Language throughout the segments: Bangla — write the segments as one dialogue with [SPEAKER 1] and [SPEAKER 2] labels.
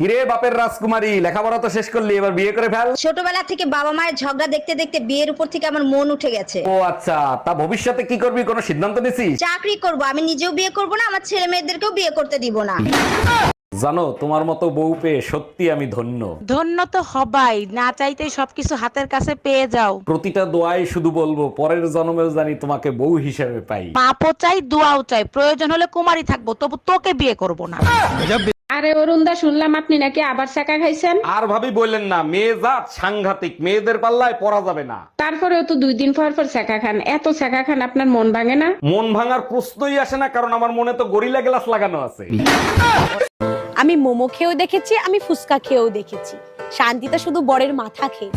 [SPEAKER 1] কিরে বাপের রাজকুমারী, লেখাপড়া তো শেষ করলি, এবার বিয়ে করে ফেল।
[SPEAKER 2] ছোটবেলা থেকে বাবা মায়ের ঝগড়া দেখতে দেখতে বিয়ের উপর থেকে আমার মন উঠে গেছে।
[SPEAKER 1] ও আচ্ছা, তা ভবিষ্যতে কি করবি, কোনো সিদ্ধান্ত নিছিস?
[SPEAKER 2] চাকরি করব, আমি নিজেও বিয়ে করব না, আমার ছেলে মেয়েদেরকেও বিয়ে করতে দিব না।
[SPEAKER 1] জানো, তোমার মতো বউ পেয়ে সত্যি আমি ধন্য।
[SPEAKER 3] ধন্য তো হবাই, না চাইতেই সবকিছু হাতের কাছে পেয়ে যাও।
[SPEAKER 1] প্রতিটা দোয়ায় শুধু বলবো, পরের জন্মেও জানি তোমাকে বউ হিসেবে পাই।
[SPEAKER 3] পাপও চাই, দোয়াও চাই, প্রয়োজন হলে কুমারী থাকবো, তবু তোকে বিয়ে করব না।
[SPEAKER 4] আরে অরুণদা, শুনলাম আপনি নাকি আবার চাকা খাইছেন।
[SPEAKER 1] আর ভাবি বললেন না, মেয়ে জাত সাংঘাতিক, মেয়েদের পাল্লায় পড়া যাবে না।
[SPEAKER 4] তারপরেও তো 2 দিন পর পর চাকা খান, এত চাকা খান আপনার মন ভাঙে না?
[SPEAKER 1] মন ভাঙার প্রশ্নই আসে না, কারণ আমার মনে তো গরিলা গ্লাস লাগানো আছে।
[SPEAKER 5] আমি মোমো খেয়েও দেখেছি, আমি ফুচকা খেয়েও দেখেছি, শান্তিতে শুধু বরের মাথা খেয়ে।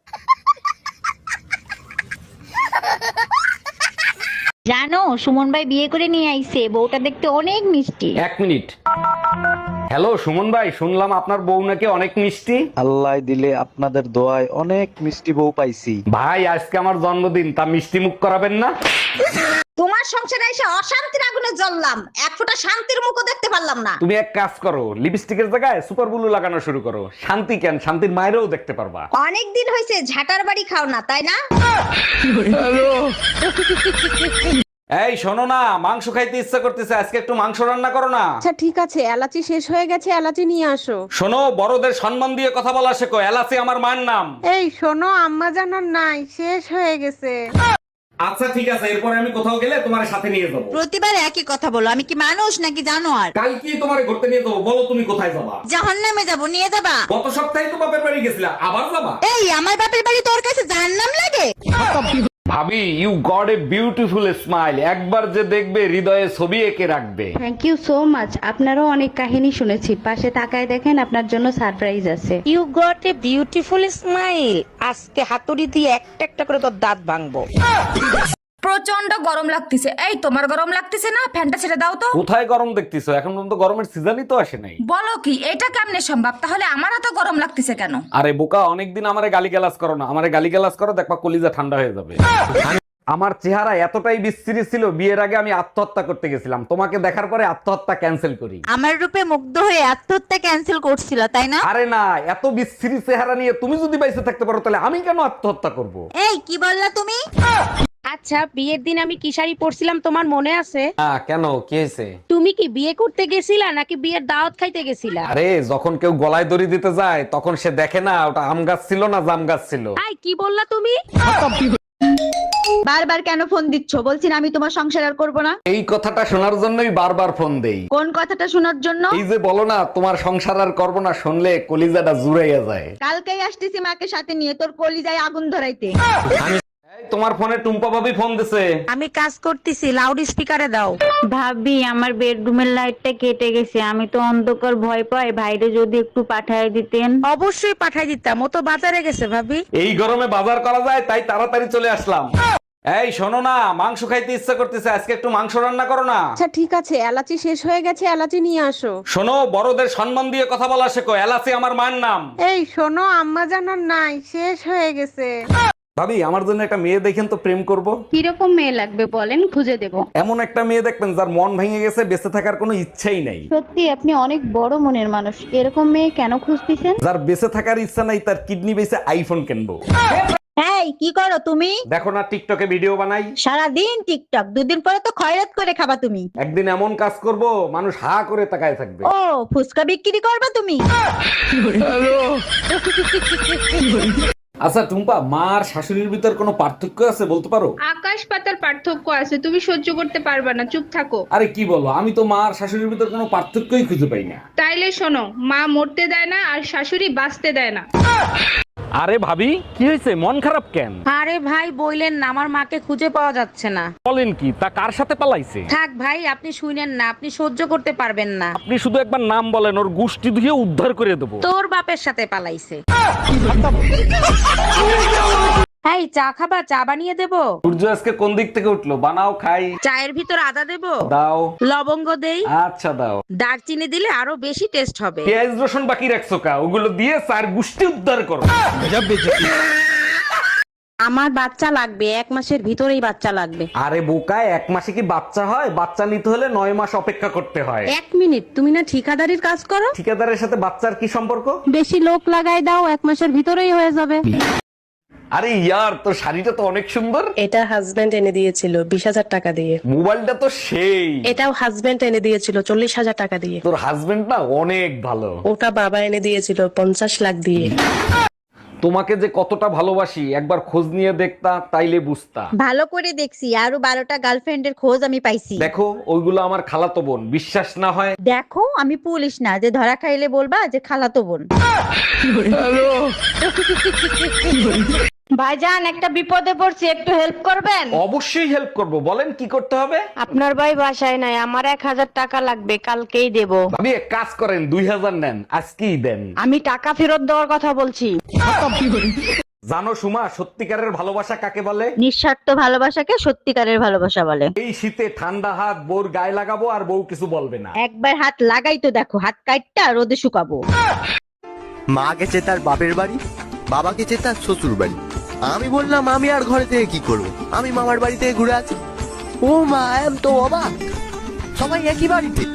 [SPEAKER 2] জানো, সুমন ভাই বিয়ে করে নিয়ে আইছে, বউটা দেখতে অনেক মিষ্টি।
[SPEAKER 1] 1 মিনিট। হ্যালো সুমন ভাই, শুনলাম আপনার বউ নাকি অনেক মিষ্টি।
[SPEAKER 6] আল্লাহ দিলে আপনাদের দোয়ায় অনেক মিষ্টি বউ পাইছি।
[SPEAKER 1] ভাই আজকে আমার জন্মদিন, তা মিষ্টি মুখ করাবেন না?
[SPEAKER 2] তোমার সংসারে এসে অশান্তির আগুনে জ্বললাম, এক ফোঁটা শান্তির মুখও দেখতে পারলাম না।
[SPEAKER 1] তুমি এক কাজ করো, লিপস্টিকের জায়গায় সুপার ব্লু লাগানো শুরু করো। শান্তি কেন, শান্তির মায়েরও দেখতে পারবা।
[SPEAKER 2] অনেক দিন হয়েছে ঝাটার বাড়ি খাও না, তাই না?
[SPEAKER 1] এই শোনো না, মাংস খাইতে ইচ্ছা করতেছে, আজকে একটু মাংস রান্না করো না।
[SPEAKER 7] আচ্ছা ঠিক আছে, এলাচি শেষ হয়ে গেছে, এলাচি নিয়ে আসো।
[SPEAKER 1] শোনো, বড়দের সম্মান দিয়ে কথা বলা শেখো, এলাচি আমার মায়ের নাম।
[SPEAKER 7] এই শোনো, আম্মা জানার নাই, শেষ হয়ে গেছে।
[SPEAKER 1] আচ্ছা ঠিক আছে, এরপরে আমি কোথাও গেলে তোমার সাথে নিয়ে যাবো।
[SPEAKER 2] প্রতিবার একই কথা বলো, আমি কি মানুষ নাকি জানোয়ার?
[SPEAKER 1] কালকে তোমার ঘুরতে নিয়ে যাবো, বলো তুমি কোথায় যাবা?
[SPEAKER 2] জাহান্নামে যাবো, নিয়ে যাবা?
[SPEAKER 1] গত সপ্তাহে তো বাপের বাড়ি গেছিলা, আবার যাবা?
[SPEAKER 2] এই আমার বাপের বাড়ি তোর কাছে জাহান্নাম লাগে?
[SPEAKER 1] ভাবি, you got a beautiful smile, একবার যে দেখবে হৃদয়ে ছবি এঁকে রাখবে।
[SPEAKER 8] Thank you so much. আপনারও অনেক কাহিনী শুনেছি, পাশে তাকায় দেখেন আপনার জন্য সারপ্রাইজ আছে।
[SPEAKER 3] You got a beautiful smile. আজকে হাতুড়ি দিয়ে একটা একটা করে তোর দাঁত ভাঙবো।
[SPEAKER 9] প্রচন্ড গরম লাগতেছে। এই তোমার গরম লাগতেছে না? ফ্যানটা ছেড়ে দাও তো।
[SPEAKER 1] কোথায় গরম দেখতেছো? এখন পর্যন্ত গরমের সিজনই তো আসে নাই।
[SPEAKER 9] বলো কি, এটা কেমনে সম্ভব? তাহলে আমার এত গরম লাগতেছে কেন?
[SPEAKER 1] আরে বোকা, অনেকদিন আমারে গালিগালাজ করো না, আমারে গালিগালাজ করো, দেখবা কলিজা ঠান্ডা হয়ে যাবে। আমার চেহারা এতটাই বিশ্রী ছিল, বিয়ের আগে আমি আত্মহত্যা করতে গেছিলাম, তোমাকে দেখার পরে আত্মহত্যা ক্যান্সেল করি।
[SPEAKER 2] আমার রূপে মুগ্ধ হয়ে আত্মহত্যা ক্যান্সেল করছিল, তাই না?
[SPEAKER 1] আরে না, এত বিশ্রী চেহারা নিয়ে তুমি যদি বাইসে থাকতে পারো, তাহলে আমি কেন আত্মহত্যা করব?
[SPEAKER 2] এই কি বললা তুমি?
[SPEAKER 7] আচ্ছা, বিয়ের দিন আমি কি শাড়ি পরছিলাম তোমার মনে আছে?
[SPEAKER 1] কেন, কি হয়েছে?
[SPEAKER 7] তুমি কি বিয়ে করতে গেছিলা নাকি বিয়ের দাওয়াত খাইতে গেছিলা?
[SPEAKER 1] আরে যখন কেউ গলায় দড়ি দিতে যায়, তখন সে দেখে না ওটা আম গাছ ছিল না জাম গাছ ছিল।
[SPEAKER 7] আই কি বললা তুমি?
[SPEAKER 2] বারবার কেন ফোন দিচ্ছ? বলছি না আমি তোমার সংসার আর করবো না।
[SPEAKER 1] এই কথাটা শোনার জন্যই বারবার ফোন দেই।
[SPEAKER 2] কোন কথাটা শোনার জন্য?
[SPEAKER 1] এই যে বলো না তোমার সংসার আর করবো না, শুনলে কলিজাটা জুড়াইয়া যায়।
[SPEAKER 2] কালকেই আসতেছি মাকে সাথে নিয়ে, তোর কলিজায় আগুন ধরাইতে।
[SPEAKER 1] এই, তোমার ফোনে টুম্পা ভাবি ফোন দিছে।
[SPEAKER 3] আমি কাজ করতেছি, লাউড স্পিকারে দাও।
[SPEAKER 8] ভাবি, আমার বেডরুমের লাইটটা কেটে গেছে, আমি তো অন্ধকার ভয় পাই, ভাইরে যদি একটু পাঠায় দিতেন।
[SPEAKER 3] অবশ্যই পাঠাই দিতাম, ও তো বাজারে গেছে ভাবি।
[SPEAKER 1] এই গরমে বাজার করা যায়, তাই তাড়াতাড়ি চলে আসলাম। এই শোনো না, মাংস খাইতে ইচ্ছা করতেছে, আজকে একটু মাংস রান্না করো না।
[SPEAKER 7] আচ্ছা ঠিক আছে, এলাচি শেষ হয়ে গেছে, এলাচি নিয়ে আসো।
[SPEAKER 1] শোনো, বড়দের সম্মান দিয়ে কথা বলা শেখো, এলাচি আমার মায়ের নাম।
[SPEAKER 7] এই শোনো, আম্মা জানার নাই, শেষ হয়ে গেছে।
[SPEAKER 1] ভাবি, আমার জন্য একটা মেয়ে দেখেন তো, প্রেম করব।
[SPEAKER 8] কিরকম মেয়ে লাগবে বলেন, খুঁজে দেব।
[SPEAKER 1] এমন একটা মেয়ে দেখবেন যার মন ভেঙে গেছে, বেঁচে থাকার কোনো ইচ্ছাই নাই।
[SPEAKER 8] সত্যি আপনি অনেক বড় মনের মানুষ, এরকম মেয়ে কেন খুঁজতেছেন?
[SPEAKER 1] যার বেঁচে থাকার ইচ্ছা নাই, তার কিডনি বেঁচে আইফোন কিনবো।
[SPEAKER 2] এই কি করো তুমি?
[SPEAKER 1] দেখো না, টিকটকে ভিডিও বানাই।
[SPEAKER 2] সারাদিন টিকটক, দুদিন পরে তো খয়রাত করে খাবা তুমি।
[SPEAKER 1] একদিন এমন কাজ করব, মানুষ হা করে তাকায় থাকবে।
[SPEAKER 2] ও ফুচকা বিক্রি করবা তুমি?
[SPEAKER 1] আচ্ছা টুম্পা, মা আর শাশুড়ির ভিতর কোনো পার্থক্য আছে বলতে পারো?
[SPEAKER 4] আকাশ পাতার পার্থক্য আছে, তুমি সহ্য করতে পারবে না, চুপ থাকো।
[SPEAKER 1] আরে কি বলো, আমি তো মা আর শাশুড়ির ভিতর কোনো পার্থক্যই খুঁজে পাই না।
[SPEAKER 4] তাইলে শোনো, মা মরতে দেয় না আর শাশুড়ি বাঁচতে দেয় না।
[SPEAKER 1] আরে ভাবি, কি হয়েছে, মন খারাপ কেন?
[SPEAKER 3] আরে ভাই বইলেন না, আমার মাকে খুঁজে পাওয়া যাচ্ছে না।
[SPEAKER 1] বলেন কি, তা কার সাথে পালাইছে?
[SPEAKER 3] থাক ভাই, আপনি শুনেন না, আপনি সহ্য করতে পারবেন না।
[SPEAKER 1] আপনি শুধু একবার নাম বলেন, ওর গুষ্টি ধুয়ে উদ্ধার করে দেবো।
[SPEAKER 3] তোর বাপের সাথে পালাইছে। এই চা খাবা? চা বানিয়ে দেবো?
[SPEAKER 1] সূর্য আজকে কোন দিক থেকে উঠলো, বানাও খাই।
[SPEAKER 3] চায়ের ভিতর আদা দেবো?
[SPEAKER 1] দাও।
[SPEAKER 3] লবঙ্গ দেই?
[SPEAKER 1] আচ্ছা দাও।
[SPEAKER 3] দারচিনি দিলে আরো বেশি টেস্ট হবে।
[SPEAKER 1] পেঁয়াজ রসুন বাকি রাখছো কা? ওগুলো দিয়ে চার গুষ্টি উদ্ধার করো।
[SPEAKER 3] আমার বাচ্চা লাগবে, 1 মাসের ভিতরেই বাচ্চা লাগবে।
[SPEAKER 1] আরে বোকায়, 1 মাসে কি বাচ্চা হয়? বাচ্চা নিতে হলে 9 মাস অপেক্ষা করতে হয়।
[SPEAKER 3] 1 মিনিট, তুমি না ঠিকাদারির কাজ করো?
[SPEAKER 1] ঠিকাদারের সাথে বাচ্চার কি সম্পর্ক?
[SPEAKER 3] বেশি লোক লাগাই দাও, 1 মাসের ভিতরেই হয়ে যাবে।
[SPEAKER 1] আরে ইয়ার, তোর শাড়িটা তো অনেক সুন্দর।
[SPEAKER 10] এটা হাজবেন্ড এনে দিয়েছিল 20,000 টাকা দিয়ে।
[SPEAKER 1] মোবাইলটা তো সেই।
[SPEAKER 10] এটাও হাজবেন্ড এনে দিয়েছিল 40,000 টাকা দিয়ে।
[SPEAKER 1] তোর হাজবেন্ড না অনেক ভালো।
[SPEAKER 10] ওটা বাবা এনে দিয়েছিল 50 লাখ দিয়ে।
[SPEAKER 1] তোমাকে যে কতটা ভালোবাসি একবার খোঁজ নিয়ে দেখতা, তাইলে বুঝতা।
[SPEAKER 2] ভালো করে দেখছি, আরো 12টা গার্লফ্রেন্ডের খোঁজ আমি পাইছি।
[SPEAKER 1] দেখো, ওইগুলো আমার খালাতো বোন। বিশ্বাস না হয়
[SPEAKER 2] দেখো, আমি পুলিশ না যে ধরা খাইলে বলবা যে খালাতো বোন।
[SPEAKER 7] ভাইজান, একটা বিপদে পড়ছি, একটু হেল্প করবেন?
[SPEAKER 1] অবশ্যই হেল্প করব, বলেন কি করতে হবে।
[SPEAKER 7] আপনার ভাই বাসায় নাই, আমার 1000 টাকা লাগবে, কালকেই দেব।
[SPEAKER 1] আমি এক কাজ করেন, 2000 নেন, আজকেই দেন।
[SPEAKER 7] আমি টাকা ফেরত দেওয়ার কথা বলছি।
[SPEAKER 1] জানো সুমা, সত্যিকারের ভালোবাসা কাকে বলে?
[SPEAKER 2] নিঃস্বার্থ ভালোবাসাকে সত্যিকারের ভালোবাসা বলে।
[SPEAKER 1] এই শীতে ঠান্ডা হাত বউর গায়ে লাগাবো আর বউ কিছু বলবে না।
[SPEAKER 2] একবার হাত লাগাই তো দেখো, হাত কাটটা রোদে শুকাবো।
[SPEAKER 11] মা গেছে তার বাপের বাড়ি, বাবা গেছে তার শ্বশুর বাড়ি। আমি বললাম আমি আর ঘরে থেকে কি করব, আমি মামার বাড়ি থেকে ঘুরে আছি। ও মা, এম তো অবাক, সবাই একই বাড়িতে।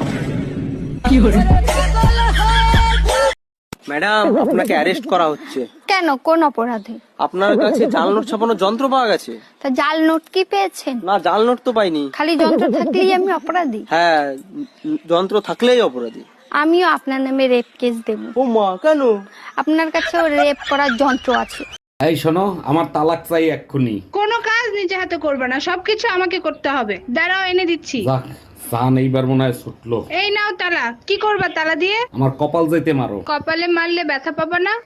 [SPEAKER 12] ম্যাডাম, আপনাকে অ্যারেস্ট করা হচ্ছে।
[SPEAKER 9] কেন, কোন অপরাধে?
[SPEAKER 12] আপনার কাছে জাল নোট ছাপানোর যন্ত্র পাওয়া গেছে।
[SPEAKER 9] তা জাল নোট কি পেয়েছেন?
[SPEAKER 12] না, জাল নোট তো পাইনি।
[SPEAKER 9] খালি যন্ত্র থাকলেই আমি অপরাধী?
[SPEAKER 12] হ্যাঁ, যন্ত্র থাকলেই অপরাধী।
[SPEAKER 9] আমিও আপনার নামে রেপ কেস দেব।
[SPEAKER 12] ও মা, কেন?
[SPEAKER 9] আপনার কাছেও রেপ করার যন্ত্র আছে।
[SPEAKER 1] এই শোনো, আমার তালাক চাই এক্ষুনি।
[SPEAKER 4] কোনো কাজ নিজে হাতে করবে না, সবকিছু আমাকে করতে হবে। দাঁড়াও, এনে দিচ্ছি।
[SPEAKER 1] যাক, সান এইবার মনে হয় ছুটলো।
[SPEAKER 4] এই নাও তালা। কি করবা তালা দিয়ে?
[SPEAKER 1] আমার কপাল যাইতে মারো।
[SPEAKER 4] কপালে মারলে ব্যথা পাবা না।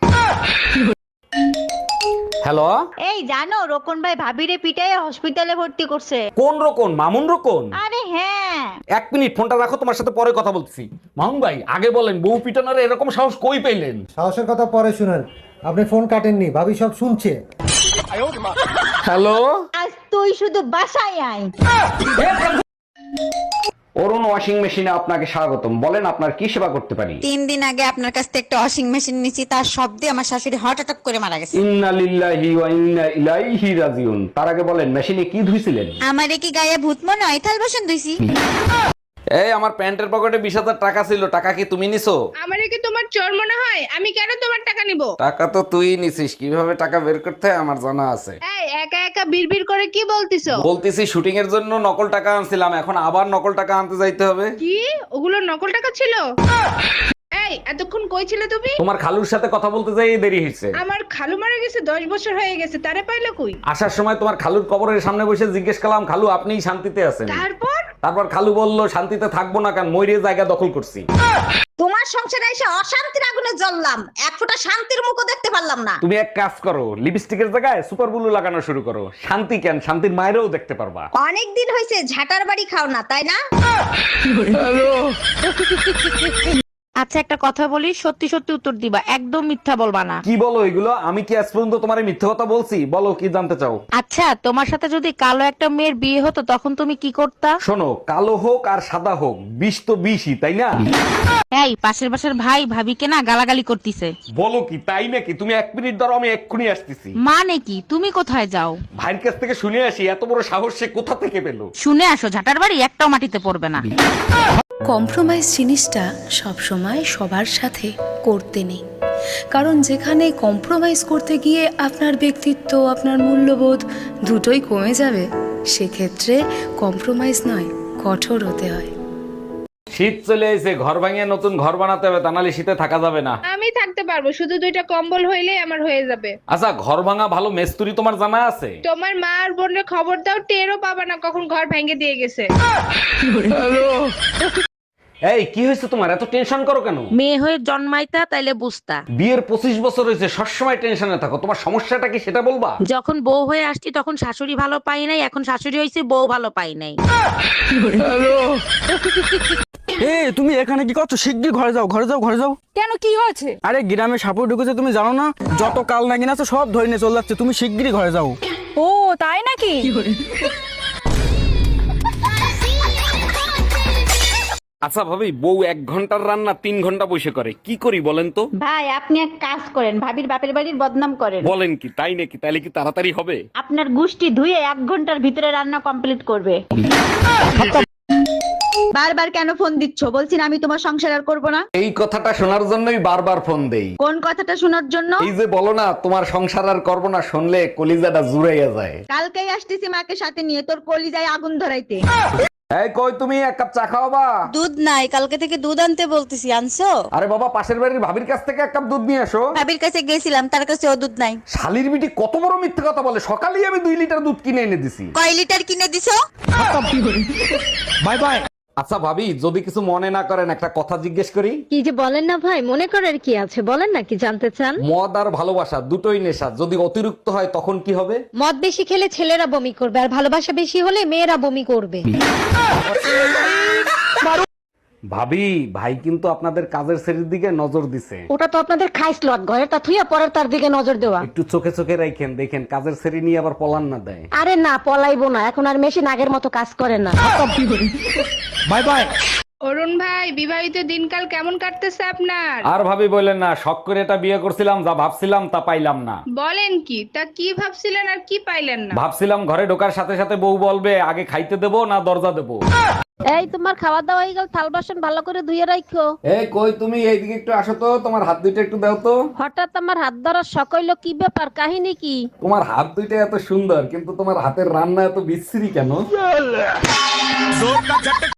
[SPEAKER 1] হ্যালো,
[SPEAKER 2] এই জানো, রোকন ভাই ভাবিরে পিটায় হসপিটালে ভর্তি করছে।
[SPEAKER 1] কোন রকম? মামুন রকম?
[SPEAKER 2] আরে হ্যাঁ।
[SPEAKER 1] 1 মিনিট, ফোনটা রাখো, তোমার সাথে পরে কথা বলছি। মামুন ভাই, আগে বলেন, বউ পিটানোর এরকম সাহস কই পেলেন?
[SPEAKER 13] সাহসের কথা পরে শুনেন, আপনি ফোন কাটেননি, ভাবি সব শুনছে।
[SPEAKER 1] হ্যালো,
[SPEAKER 2] আজ তুই শুধু বাসায় আয়।
[SPEAKER 1] অরুণ ওয়াশিং মেশিনে আপনাকে স্বাগতম। বলেন, আপনার কি সেবা করতে পারি?
[SPEAKER 2] 3 দিন আগে আপনার কাছ থেকে একটা ওয়াশিং মেশিন নিয়েছি, তার শব্দে আমার শাশুড়ি হার্ট অ্যাটাক করে মারা গেছে।
[SPEAKER 1] ইন্না লিল্লাহি ওয়া ইন্না ইলাইহি রাজিউন। তার আগে বলেন, মেশিনে কি ধুইছিলেন?
[SPEAKER 2] আমারে কি গায়ে ভূত মনে হয়? থাল বাসন ধুইছি।
[SPEAKER 1] এই, আমার প্যান্টের পকেটে 20,000 টাকা ছিল, টাকা কি তুমি নিছো?
[SPEAKER 4] আমারে কি তোমার চোর মনে হয়? আমি কেন তোমার টাকা নিব?
[SPEAKER 1] টাকা তো তুই নিছিস, কিভাবে টাকা বের করতে হয় আমার জানা আছে।
[SPEAKER 4] এই একা একা বিড়বিড় করে কি বলতিছো?
[SPEAKER 1] বলতেছি, শুটিং এর জন্য নকল টাকা আনছিলাম, এখন আবার নকল টাকা আনতে যাইতে হবে।
[SPEAKER 4] কি ওগুলো নকল টাকা ছিল? এই এতক্ষণ কই ছিলে তুমি?
[SPEAKER 1] তোমার খালুর সাথে কথা বলতে যাই দেরি হয়েছে।
[SPEAKER 4] আমার খালু মারা গেছে, 10 বছর হয়ে গেছে, তারে পাইলো কই?
[SPEAKER 1] আসার সময় তোমার খালুর কবরের সামনে বসে জিজ্ঞেস করলাম, খালু আপনিই শান্তিতে আছেন? তারপর খালু বলল, শান্তিতে থাকবো না কেন, মইরে জায়গা দখল করছি।
[SPEAKER 2] তোমার সংসারে এসে অশান্তির আগুনে জ্বললাম, এক ফোঁটা শান্তির মুখও দেখতে পারলাম না।
[SPEAKER 1] তুমি এক কাজ করো, লিপস্টিকের জায়গায় সুপার ব্লু লাগানো শুরু করো। শান্তি কেন, শান্তির মায়েরও দেখতে পারবা।
[SPEAKER 2] অনেক দিন হয়েছে ঝাটার বাড়ি খাও না, তাই না?
[SPEAKER 3] আচ্ছা, একটা কথা বলি, সত্যি সত্যি উত্তর দিবা, একদম মিথ্যা বলবা না।
[SPEAKER 1] কি বলো এগুলো? আমি কি আজ পর্যন্ত তোমার মিথ্যে কথা বলছি? বলো, কি জানতে চাও?
[SPEAKER 3] আচ্ছা, তোমার সাথে যদি কালো একটা মেয়ের বিয়ে হতো, তখন তুমি কি করতা?
[SPEAKER 1] শোনো, কালো হোক আর সাদা হোক, বিষ তো বিষই, তাই না?
[SPEAKER 3] এই, পাশের বাসার ভাই ভাবিকে না গালাগালি করতিছে।
[SPEAKER 1] বলো কি, তাই নাকি? তুমি 1 মিনিট ধরো, আমি এক্ষুনি আসতেছি।
[SPEAKER 3] মানে কি? তুমি কোথায় যাও?
[SPEAKER 1] ভাইয়ের কাছ থেকে শুনে আসি, এত বড় সাহস সে কোথা থেকে পেলো।
[SPEAKER 3] শুনে আসো, ঝাটার বাড়ি একটাও মাটিতে পড়বে না।
[SPEAKER 5] কম্প্রোমাইজ জিনিসটা সব সময় সবার সাথে করতে নেই, কারণ যেখানে কম্প্রোমাইজ করতে গিয়ে আপনার ব্যক্তিত্ব, আপনার মূল্যবোধ দুটোই কমে যাবে, সেক্ষেত্রে কম্প্রোমাইজ নয়, কঠোর হতে হয়।
[SPEAKER 1] শীত চলে এসে, ঘর ভাঙিয়ে নতুন ঘর বানাতে হবে, তা নাহলে শীতে থাকা যাবে না।
[SPEAKER 4] আমি থাকতে পারবো, শুধু 2টা কম্বল হইলেই আমার হয়ে যাবে।
[SPEAKER 1] আচ্ছা, ঘর ভাঙা ভালো মেস্তুরি তোমার জানা আছে?
[SPEAKER 4] তোমার মা আর বোনের খবর দাও, টেরও পাবা না কখন ঘর ভেঙে দিয়ে গেছে।
[SPEAKER 1] এই, কি হয়েছে তোমার? এত টেনশন করো কেন?
[SPEAKER 3] মেয়ে হয়ে জন্মাইতা, তাইলে বুঝতা।
[SPEAKER 1] বিয়ের 25 বছর হয়েছে, সবসময় টেনশনে থাকো, তোমার সমস্যাটা কি সেটা বলবা?
[SPEAKER 3] যখন বউ হয়ে আসছি তখন শাশুড়ি ভালো পাই নাই, এখন শাশুড়ি হয়েছে বউ ভালো পাই নাই।
[SPEAKER 12] এই, তুমি এখানে কি করছো? শিগগির ঘরে যাও, ঘরে যাও, ঘরে যাও।
[SPEAKER 9] কেন, কি হয়েছে?
[SPEAKER 12] আরে, গ্রামে সাপুর ঢুকেছে, তুমি জানো না? যত কাল নাগিন আছে সব ধরে নিয়ে চলে যাচ্ছে, তুমি শিগগিরই ঘরে যাও।
[SPEAKER 9] ও তাই নাকি?
[SPEAKER 1] আচ্ছা ভাবি, বউ 1 ঘন্টার রান্না 3 ঘন্টা বসে করে, কি করি বলেন তো?
[SPEAKER 7] ভাই আপনি এক কাজ করেন, ভাবির বাপের বাড়ির বদনাম করেন।
[SPEAKER 1] বলেন কি, তাই নাকি? তাইলে কি তাড়াতাড়ি হবে?
[SPEAKER 7] আপনার গুষ্টি ধুয়ে 1 ঘন্টার ভিতরে রান্না কমপ্লিট করবে।
[SPEAKER 2] বারবার কেন ফোন দিচ্ছ? বলছি না আমি তোমার সংসার আর করবো না।
[SPEAKER 1] এই কথাটা শোনার জন্যই বারবার ফোন দেই।
[SPEAKER 2] কোন কথাটা শোনার জন্য?
[SPEAKER 1] এই যে বলো না তোমার সংসার আর করবো না, শুনলে কলিজাটা জুড়াইয়া যায়।
[SPEAKER 2] কালকেই আসতেছি মাকে সাথে নিয়ে তোর কলিজায় আগুন ধরাইতে।
[SPEAKER 1] এই কই তুমি, 1 কাপ চা খাওয়াবা?
[SPEAKER 3] দুধ নাই, কালকে থেকে দুধ আনতে বলতেছি, আনছো?
[SPEAKER 1] আরে বাবা, পাশের বাড়ির ভাবির কাছ থেকে 1 কাপ দুধ নিয়ে আসো।
[SPEAKER 3] ভাবির কাছে গেছিলাম, তার কাছে ও দুধ নাই।
[SPEAKER 1] শালির বিটি কত বড় মিথ্যে কথা বলে, সকালেই আমি 2 লিটার দুধ কিনে এনে দিছি।
[SPEAKER 3] কয় লিটার কিনে দিছো?
[SPEAKER 1] Bye bye. আচ্ছা ভাবি, যদি কিছু মনে না করেন একটা কথা জিজ্ঞেস করি।
[SPEAKER 7] কি যে বলেন না ভাই, মনে করার কি আছে, বলেন না কি জানতে চান?
[SPEAKER 1] মদ আর ভালোবাসা দুটোই নেশা, যদি অতিরিক্ত হয় তখন কি হবে?
[SPEAKER 7] মদ বেশি খেলে ছেলেরা বমি করবে, আর ভালোবাসা বেশি হলে মেয়েরা বমি করবে।
[SPEAKER 1] ভাবি, ভাই কিন্তু আপনাদের কাজের শ্রেণীর দিকে নজর দিছে।
[SPEAKER 7] ওটা তো আপনাদের খাইস লট, ঘরে তা থুইয়া পরের তার দিকে নজর দেওয়া।
[SPEAKER 1] একটু চোখে চোখে রাখেন, দেখেন কাজের শ্রেণী নিয়ে আবার পলান না দেয়।
[SPEAKER 7] আরে না, পলাইবো না, এখন আর মেশিন আগের মতো কাজ করে না।
[SPEAKER 1] Bye bye.
[SPEAKER 4] অরুণ ভাই, বিবাহিত দিনকাল কেমন কাটতেছে আপনার?
[SPEAKER 1] আর ভাবি বললেন না, শখ করে এটা বিয়ে করছিলাম, যা ভাবছিলাম তা পাইলাম না।
[SPEAKER 4] বলেন কি, তা কি ভাবছিলেন আর কি পাইলেন না?
[SPEAKER 1] ভাবছিলাম ঘরে ঢোকার সাথে সাথে বউ বলবে আগে খাইতে দেবো না দরজা দেবো।
[SPEAKER 7] এই তোমার খাওয়া দাওয়া হয়ে গেল, থাল বাসন ভালো করে ধুয়ে রাখো।
[SPEAKER 1] এই কই তুমি, এইদিকে একটু আসো তো, তোমার হাত দুইটা একটু দাও তো।
[SPEAKER 7] হঠাৎ আমার হাত ধরার শখ হইলো, কি ব্যাপার, কাহিনী কি?
[SPEAKER 1] তোমার হাত দুইটা এত সুন্দর, কিন্তু তোমার হাতের রান্না এত বিশ্রী কেন?